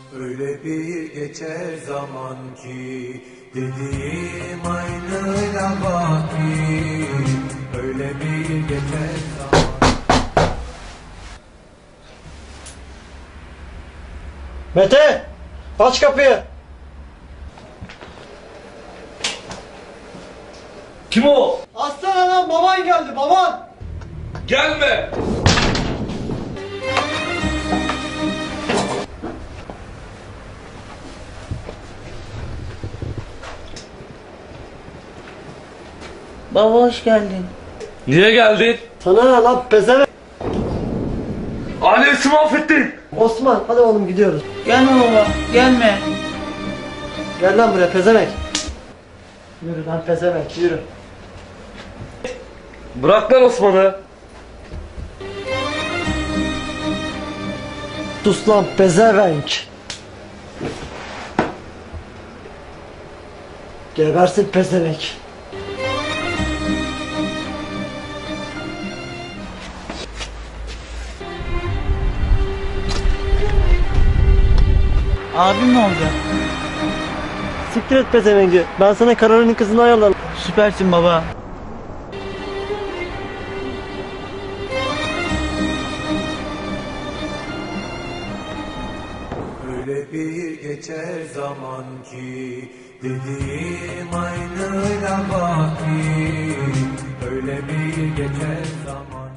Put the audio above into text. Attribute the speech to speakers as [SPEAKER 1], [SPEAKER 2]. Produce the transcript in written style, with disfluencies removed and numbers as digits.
[SPEAKER 1] Öyle bir geçer zaman ki dediğim aynıyla baki. Öyle bir geçer zaman.
[SPEAKER 2] Mete! Aç kapıyı!
[SPEAKER 3] Kim o?
[SPEAKER 2] Açsana lan, baban geldi, baban!
[SPEAKER 3] Gelme!
[SPEAKER 4] Baba hoş geldin.
[SPEAKER 3] Niye geldin?
[SPEAKER 2] Sana ne lan pezevenk?
[SPEAKER 3] Ailesi mahvettin.
[SPEAKER 2] Osman, hadi oğlum gidiyoruz.
[SPEAKER 4] Gelme baba, gelme.
[SPEAKER 2] Gel lan buraya pezevenk. Yürü lan pezevenk, yürü.
[SPEAKER 3] Bırak lan Osman'ı.
[SPEAKER 2] Sus lan pezevenk. Gebersin pezevenk.
[SPEAKER 4] Abim ne olacak?
[SPEAKER 2] Siktir et pezevengi. Ben sana Karol'ün kızını ayarlarım.
[SPEAKER 4] Süpersin baba.
[SPEAKER 1] Öyle bir geçer zaman ki dediğim aynıyla baki. Öyle bir geçer zaman.